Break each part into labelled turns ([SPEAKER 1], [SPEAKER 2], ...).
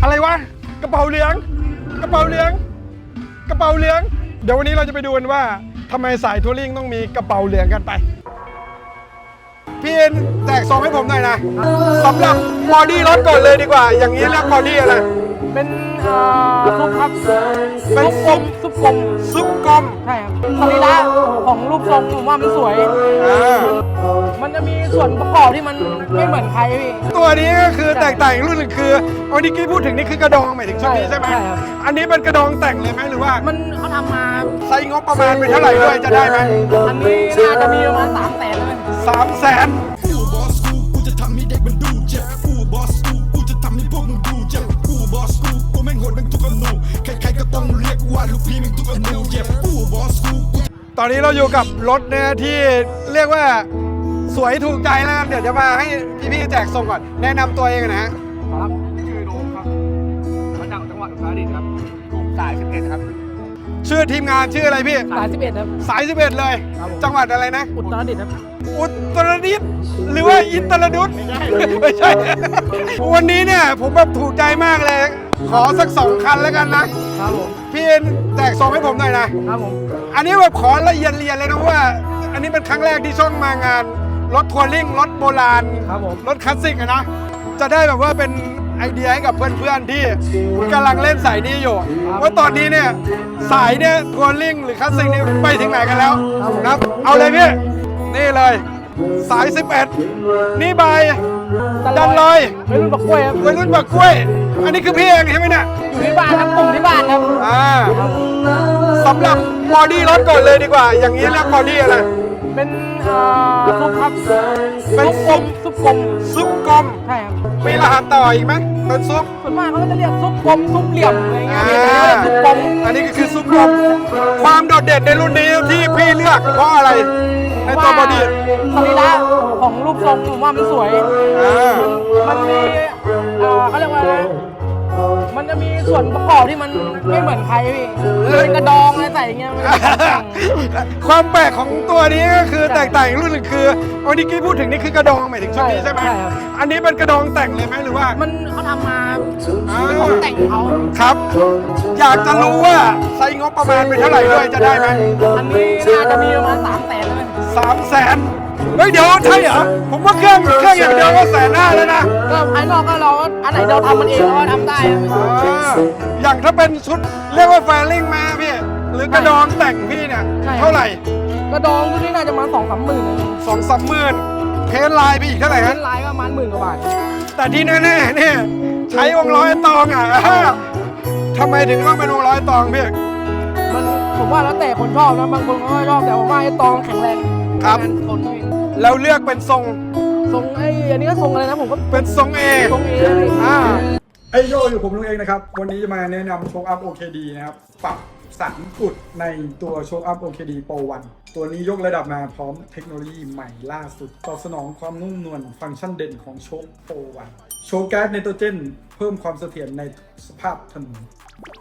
[SPEAKER 1] อะไรวะกระเป๋าเหลืองกระเป๋าเหลืองกระเป๋าเหลืองเดี๋ยววันนี้เราจะไปดูกันว่าทำไมสายทัวริ่งต้องมีกระเป๋าเหลืองกันไปพี่เอ็นแจกซองให้ผมหน่อยนะสำหรับบอดี้รถก่อนเลยดีกว่าอย่างนี้เรียกบอดี้อะไร
[SPEAKER 2] เป็นซุปครับ
[SPEAKER 1] เป็นซุป
[SPEAKER 2] กลม
[SPEAKER 1] ซุปกลม
[SPEAKER 2] ใช่ครับสรีระของรูปทรงผมว่ามันสวยมันจะมีส่วนประกอบที่มันไม่เหมือนใครพี่
[SPEAKER 1] ตัวนี้ก็คือแตกต่างรุ่นหนึ่งคือเอาที่กี้พูดถึงนี่คือกระดองหมายถึงชุดนี้ใช่ไหมอันนี้เป็นกระดองแต่งเลยไหมหรือว่า
[SPEAKER 2] มันเขาทำมา
[SPEAKER 1] ใช้งบประมาณเป็นเท่าไหร่ด้วยจะได้ไหม
[SPEAKER 2] อันนี้น่าจะมีประมาณ300,000เลย
[SPEAKER 1] 300,000
[SPEAKER 3] กูจะทำให้เด็กมันดูเจ็บกูบอสกูจะทำให้พวกมึงดูเจ็บกูบอสกูแม่งโหดแม่งทุกอนูใครๆก็ต้องเรียกว่าลูกพี่แม่งทุกอนูเจ็บกูบอสกู
[SPEAKER 1] ตอนนี้เราอยู่กับรถเนี่ยที่เรียกว่าสวยถูกใจแล้วเดี๋ยวจะมาให้พี่ๆแจกส่งก่อนแนะนำตัวเองนะฮะ
[SPEAKER 2] ครับชื่อโดมครับมาจากจังหวัดอุตรดิตถ์ครับกลุ่มสาย11ครับ
[SPEAKER 1] ชื่อทีมงานชื่ออะไรพี่
[SPEAKER 2] สาย11ครับ
[SPEAKER 1] สาย11เลยจังหวัดอะไรนะ
[SPEAKER 2] อุตรดิตถ์ครับ
[SPEAKER 1] อุตรดิตถ์หรือว่าอิตรดุษไม่ใช่วันนี้เนี่ยผมแบบถูกใจมากเลยขอสัก2 คันแล้วกันนะครับ
[SPEAKER 2] ผม
[SPEAKER 1] พี่แจกซองให้ผมหน่อยนะครับ
[SPEAKER 2] ผม
[SPEAKER 1] อันนี้แบบขอละเอียดเลยนะว่าอันนี้เป็นครั้งแรกที่ช่องมางานรถทัวริ่งรถโบราณ
[SPEAKER 2] ครับผม
[SPEAKER 1] รถคลาสสิกนะจะได้แบบว่าเป็นไอเดียให้กับเพื่อนๆที่กำลังเล่นสายนี้อยู่ว่าตอนนี้เนี่ยสายเนี่ยทัวริ่งหรือคลาสสิกนี่ไปถึงไหนกันแล้วนะครับเอาเลยพี่นี่เลยสาย11นี่ใบดันลอย
[SPEAKER 2] วัยรุ่นบักกล้วยครับ
[SPEAKER 1] วัยรุ่นบักกล้วยอันนี้คือพี่เองใช่ไหมเนี่ย
[SPEAKER 2] อยู่ที่บ้านครับกลุ่มที่บ้านครับ
[SPEAKER 1] สำหรับบอดี้รถก่อนเลยดีกว่าอย่างนี้เรียกบอดี้อะไร
[SPEAKER 2] เป็นซุปครับ
[SPEAKER 1] เป็นซุป
[SPEAKER 2] กลม
[SPEAKER 1] ซุปกลม
[SPEAKER 2] ใช่ครับ
[SPEAKER 1] มีรหัสต่ออีกไหมเป็นซุป
[SPEAKER 2] ส่วนมากเขาก็จะเรียกซุปกลมซุปเหลี่ยมอะไรเงี้ยซุปกลม
[SPEAKER 1] อันนี้ก็คือซุปกลมความโดดเด่นในรุ่นนี้ที่พี่เลือกเพราะอะไรในตัวบอดี้
[SPEAKER 2] สรีระของรูปทรงผมว่ามันสวยมันมีเขาเรียกว่ามันจะมีส่วนประกอบที่มันไม่เหมือนใครพี่เป็นกระดองอะไรใส่เงี้ย
[SPEAKER 1] ความแปลกของตัวนี้ก็คือแตกต่างรุ่นหนึ่งคือเอาที่กี้พูดถึงนี่คือกระดองหมายถึงชุดนี้ใช่ไหมอันนี้เป็นกระดองแต่งเลยไหมหรือว่า
[SPEAKER 2] มันเขาทำมาเป็นของแต่งเขา
[SPEAKER 1] ครับอยากจะรู้ว่าใช้งบประมาณเป็นเท่าไหร่ด้วยจะได้ไหม
[SPEAKER 2] อันนี้น่าจะมีประมาณ300,000เลย
[SPEAKER 1] 300,000เฮ้ยเดี๋ยวใช่เหรอผมว่าเครื่องอย่างเดียวก็150,000แล้วนะ
[SPEAKER 2] ก็ภายนอกก็เราอันไหนเราทำมันเองเราก็ทำได้
[SPEAKER 1] อย่างถ้าเป็นชุดเรียกว่าแฟลิ่งมาพี่หรือกระดองแต่งพี่เนี่ยเท่าไหร่
[SPEAKER 2] กระดองที่นี่น่าจะมา2-3 หมื่น
[SPEAKER 1] 2-3 หมื่นเพนไลน์ไปอีกเท่าไหร่
[SPEAKER 2] เพนไลน์ก็ประมาณ10,000 กว่าบาท
[SPEAKER 1] แต่ที่แน่ๆเนี่ยใช้วงร้อยตองอ่ะทำไมถึงต้องเป็นวงร้อยตองพี่
[SPEAKER 2] มันผมว่าแล้วแต่คนชอบนะบางคนก็ชอบแต่ผมว่าไอ้ตองแข็งแรง
[SPEAKER 1] ครับแล้วเลือกเป็นทรง
[SPEAKER 2] อันนี้ก็ทรงอะไรนะผมก็
[SPEAKER 1] เป็นทรงเอ
[SPEAKER 2] ไอ
[SPEAKER 1] โยอยู่ผมลุงเองนะครับวันนี้จะมาแนะนำโชคอัพ OKD นะครับปรับ3 จุดในตัวโชคอัพ OKD Pro 1ตัวนี้ยกระดับมาพร้อมเทคโนโลยีใหม่ล่าสุดตอบสนองความนุ่มนวลฟังก์ชันเด่นของโชค Pro 1โชคแก๊สไนโตรเจนเพิ่มความเสถียรในสภาพถนน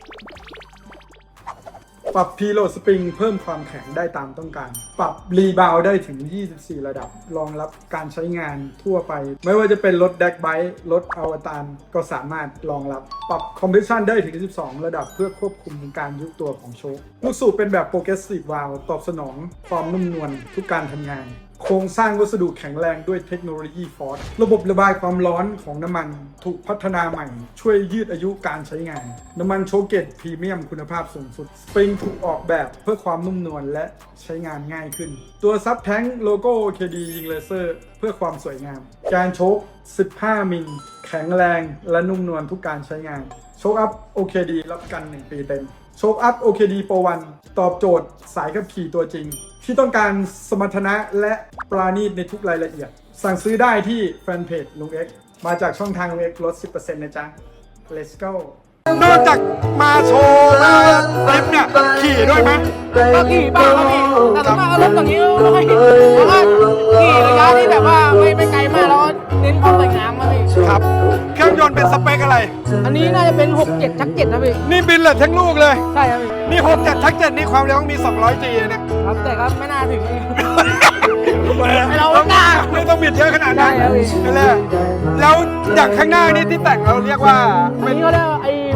[SPEAKER 1] ปรับพีโลสปริงเพิ่มความแข็งได้ตามต้องการปรับรีบาวได้ถึง24 ระดับรองรับการใช้งานทั่วไปไม่ว่าจะเป็นรถแดกไบค์รถอวตารก็สามารถรองรับปรับคอมเพรสชันได้ถึง12 ระดับเพื่อควบคุมการยุบตัวของโชคลูกสูบเป็นแบบโปรเกรสซีฟวาลว์ตอบสนองความนุ่มนวลทุกการทำงานโครงสร้างวัสดุแข็งแรงด้วยเทคโนโลยีฟอร์สระบบระบายความร้อนของน้ำมันถูกพัฒนาใหม่ช่วยยืดอายุการใช้งานน้ำมันโชเกตพรีเมียมคุณภาพสูงสุดสปริงถูกออกแบบเพื่อความนุ่มนวลและใช้งานง่ายขึ้นตัวซับแท้งโลโก้ OKD ยิงเลเซอร์เพื่อความสวยงามการโชค15 มิลแข็งแรงและนุ่มนวลทุกการใช้งานโชคอัพ OKD รับกัน1 ปีเต็มโชคอัพ OKD Pro 1ตอบโจทย์สายขับขี่ตัวจริงที่ต้องการสมรรถนะและปราณีตในทุกรายละเอียดสั่งซื้อได้ที่แฟนเพจลุงเอ็กมาจากช่องทางลุงเอ็กลด 10% นะจ๊ะ Let's go นอกจากมาโชว์มาเล็บเนี่ยขี่ด้วยไหม
[SPEAKER 2] ก็ขี่บ้างก็ขี่แต่ส่วนมากก็รถอย่างนี้ไม่ค่อยขี่เพราะว่าขี่ระยะที่แบบว่าไม่ไกลมากแล้วเน้นความสวยงามมาพี่
[SPEAKER 1] ครับเครื่องยนต์เป็นสเปคอะไร
[SPEAKER 2] อันนี้น่าจะเป็น67 ชัก 7นะพี่
[SPEAKER 1] นี่บินเลยทั้งลูกเลย
[SPEAKER 2] ใช่ครับพี่
[SPEAKER 1] นี่67 ชัก 7นี่ความเร็วมี200G
[SPEAKER 2] นะครับแต่ก็ไม่น่าถึง
[SPEAKER 1] เราไม่ต้องบิดเยอะขนาดนั้นนั่นแหละแล้วอย่างข้างหน้านี่ที่แต่งเราเรียกว่า
[SPEAKER 2] อันนี้เขาเรียกไอ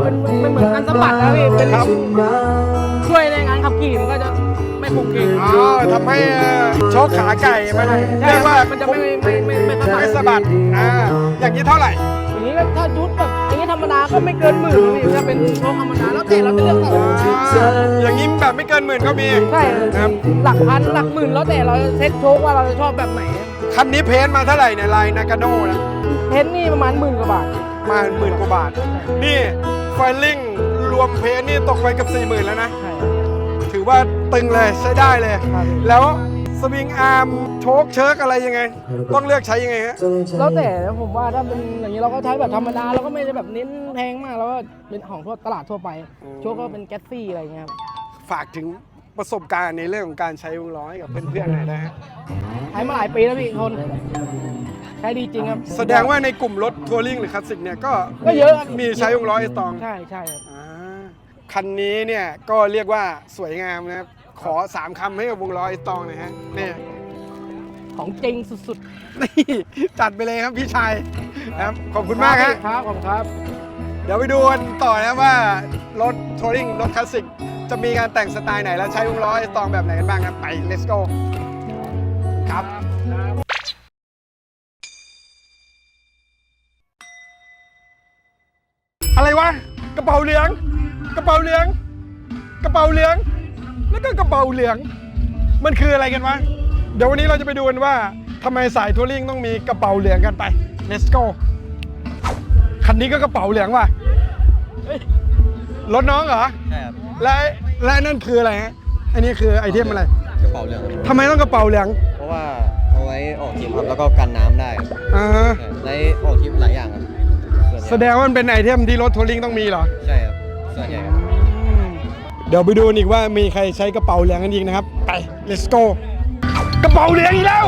[SPEAKER 2] เป็นเหมือนอันสะบัดนะพี่เป็น
[SPEAKER 1] ครับ
[SPEAKER 2] ช่วยในงานขับขี่มันก็จะไม่คงเก่ง
[SPEAKER 1] อ๋อทำให้โชคขาไก่มัน
[SPEAKER 2] ใช่
[SPEAKER 1] เรียกว่า
[SPEAKER 2] มันจะไม่สะบัด
[SPEAKER 1] ไม่สะบัดอย่างนี้เท่าไหร่
[SPEAKER 2] อย่างนี้ก็ถ้าชุดแบบอย่างนี้ธรรมดาก็ไม่เกินหมื่นนะพี่ถ้าเป็นโชคธรรมดาแล้วแต่เราจะเลือกใส่
[SPEAKER 1] อย่างนี้แบบไม่เกินหมื่นก็มี
[SPEAKER 2] ใช่
[SPEAKER 1] ครับ
[SPEAKER 2] หลักพันหลักหมื่นแล้วแต่เราจะเซ็ตโชคว่าเราจะชอบแบบไหน
[SPEAKER 1] คันนี้เพ้นท์มาเท่าไหร่เนี่ยลายนากาโน่นะ
[SPEAKER 2] เพ้นท์นี่ประมาณ10,000 กว่าบาท
[SPEAKER 1] มา10,000 กว่าบาท นี่ไฟลิ่งรวมเพ้นท์นี่ตกไปกับ 40,000 แล้วนะ
[SPEAKER 2] ใช่
[SPEAKER 1] ถือว่าตึงเลยใช้ได้เลย
[SPEAKER 2] ครับ
[SPEAKER 1] แล้วสวิงอาร์มโชคเชิร์กอะไรยังไง ต้องเลือกใช้ยังไงฮะ
[SPEAKER 2] แล้วแต่ผมว่าถ้าเป็นอย่างนี้เราก็ใช้แบบธรรมดาเราก็ไม่ได้แบบเน้นแพงมากเราก็เป็นของทั่วตลาดทั่วไป โชคก็เป็นแก๊สซี่อะไรเงี้ยครับ
[SPEAKER 1] ฝากถึงประสบการณ์ในเรื่องของการใช้วงล้อให้กับเพื่อนๆหน่อยนะฮะ
[SPEAKER 2] ใช้มาหลายปีแล้วพี่ทนใช้ดีจริงครับ
[SPEAKER 1] แสดงว่าในกลุ่มรถทัวริงหรือคลาสสิกเนี่ยก็
[SPEAKER 2] ก็เยอะครับ
[SPEAKER 1] มีใช้วงล้อไอสตอง
[SPEAKER 2] ใช่ใช่ครับ
[SPEAKER 1] คันนี้เนี่ยก็เรียกว่าสวยงามนะครับ ขอ 3 คำให้กับวงล้อไอสตองหน่อยฮะนี่
[SPEAKER 2] ของจริงสุด
[SPEAKER 1] นี่จัดไปเลยครับพี่ชายนะครับขอบ
[SPEAKER 2] ๆ
[SPEAKER 1] คุณมากฮะ
[SPEAKER 2] ครับขอบคุณครับ
[SPEAKER 1] เดี๋ยวไปดูกันต่อนะว่ารถทัวริงรถคลาสสิกจะมีการแต่งสไตล์ไหน แล้วใช้วงล้อไอสตองแบบไหนกันบ้างครับไป let's go ครับอะไรวะกระเป๋าเหลืองกระเป๋าเหลืองกระเป๋าเหลืองแล้วก็กระเป๋าเหลืองมันคืออะไรกันวะเดี๋ยววันนี้เราจะไปดูกันว่าทำไมสายทัวริงต้องมีกระเป๋าเหลืองกันไป let's go คันนี้ก็กระเป๋าเหลืองว่ะเฮ้ยรถน้องเหรอ
[SPEAKER 4] ใช่ครับ
[SPEAKER 1] และนั่นคืออะไรฮะอันนี้คือไอเทมอะไร
[SPEAKER 4] กระเป๋าเหลืองครับ
[SPEAKER 1] ทำไมต้องกระเป๋าเหลือง
[SPEAKER 4] เพราะว่าเอาไว้ออกทริปครับแล้วก็กันน้ำได้ครับ
[SPEAKER 1] อ่า
[SPEAKER 4] ใช่ได้ออกทริปหลายอย่างครับส่วนใหญ่
[SPEAKER 1] แสดงว่ามันเป็นไอเทมที่รถทัวริงต้องมีเหรอ
[SPEAKER 4] ใช่ครับส่วนใหญ่ครับ
[SPEAKER 1] เดี๋ยวไปดูอีกว่ามีใครใช้กระเป๋าเหลืองกันอีกนะครับ ไป let's go กระเป๋าเหลืองอีกแล้ว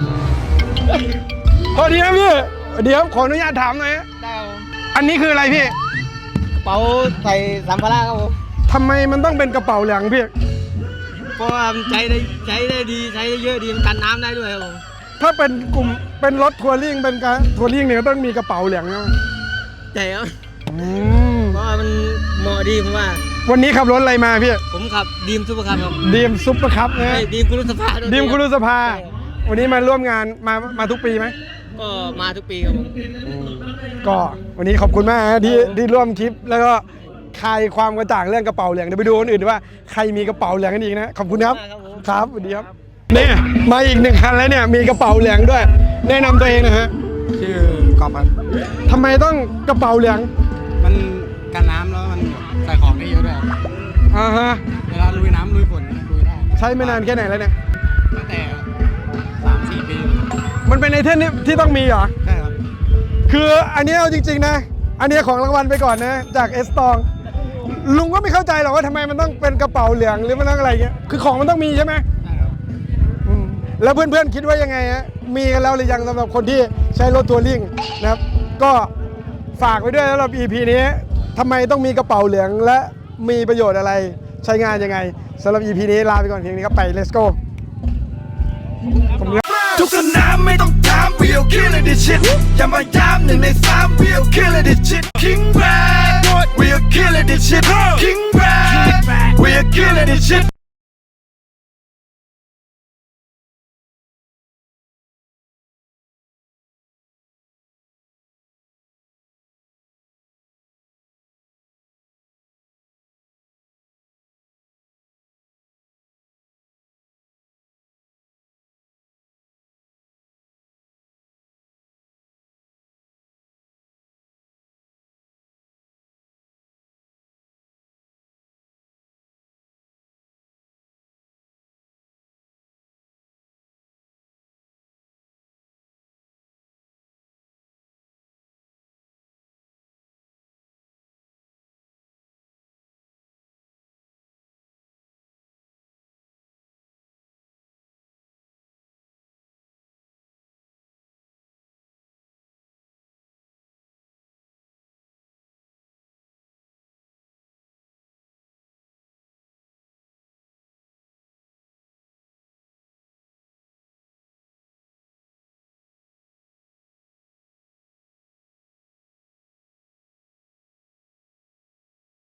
[SPEAKER 1] พอดีนะพี่เดี๋ยวขออนุญาตถามหน่อยฮะ
[SPEAKER 4] ได้ครับ
[SPEAKER 1] อันนี้คืออะไรพี่
[SPEAKER 4] กระเป๋าใส่สัมภาระครับผม
[SPEAKER 1] ทำไมมันต้องเป็นกระเป๋าเหลืองพี่
[SPEAKER 4] เพราะว่ามันใช้ได้ดีใช้ได้เยอะดีมันกันน้ำได้ด้วยครับผม
[SPEAKER 1] ถ้าเป็นกลุ่มเป็นรถทัวริงเป็นการทัวริงเนี่ยก็ต้องมีกระเป๋าเหลืองนะ
[SPEAKER 4] ใช่ครับ
[SPEAKER 1] อืม
[SPEAKER 4] เพราะว่ามันเหมาะดีผมว่า
[SPEAKER 1] วันนี้ขับรถอะไรมาพี่
[SPEAKER 4] ผมขับดีมซุปเปอร์คัพครับ
[SPEAKER 1] ดีมซุปเปอร์คัพนะ
[SPEAKER 4] ใช่ดีมคุรุสภาด้วย
[SPEAKER 1] ดีมคุรุสภา
[SPEAKER 4] ใช่
[SPEAKER 1] วันนี้มาร่วมงานมาทุกปีไหม
[SPEAKER 4] ก็มาทุกปีครับผม
[SPEAKER 1] ก็วันนี้ขอบคุณมากนะที่ร่วมคลิปแล้วก็คลายความกระจ่างเรื่องกระเป๋าเหลืองเดี๋ยวไปดูคนอื่นว่าใครมีกระเป๋าเหลืองกันอีกนะขอบคุณครับครับสวัสดีครับนี่มาอีก1 คันแล้วเนี่ยมีกระเป๋าเหลืองด้วย แนะนำตัวเองนะฮะ
[SPEAKER 5] ชื่อกอบครับ
[SPEAKER 1] ทำไมต้องกระเป๋าเหลือง
[SPEAKER 5] มันกันน้ำแล้วมันใส่ของได้เยอะด้วยครับ
[SPEAKER 1] อ่าฮะ
[SPEAKER 5] เวลาลุยน้ำลุยฝนลุยได้
[SPEAKER 1] ใช้ไม่นานแค่ไหนแล้วเนี่ย
[SPEAKER 5] ตั้งแต่ 3-4 ปี
[SPEAKER 1] มันเป็นไอเทมที่ต้องมีเหรอ
[SPEAKER 5] ใช่ครับ
[SPEAKER 1] คืออันนี้เอาจริงๆนะ อันนี้ของรางวัลไปก่อนนะจากเอสตองลุงก็ไม่เข้าใจหรอกว่าทำไมมันต้องเป็นกระเป๋าเหลืองหรือมันต้องอะไรเงี้ยคือของมันต้องมีใช่ไหม
[SPEAKER 5] ใช่ครับ
[SPEAKER 1] แล้วเพื่อนๆคิดว่ายังไงฮะมีกันแล้วหรือยังสำหรับคนที่ใช้รถทัวริงนะครับก็ฝากไว้ด้วยสำหรับ EP นี้ทำไมต้องมีกระเป๋าเหลืองและมีประโยชน์อะไรใช้งานยังไงสำหรับ EP นี้ลาไปก่อนเพียงนี้ครับไป let's go
[SPEAKER 3] ทุกสนามไม่ต้องถาม we'll kill it this shit อย่ามาย้ำ1 ใน 3 we'll kill it this shit King Brad we'll kill it this shit King Brad we'll kill it this shit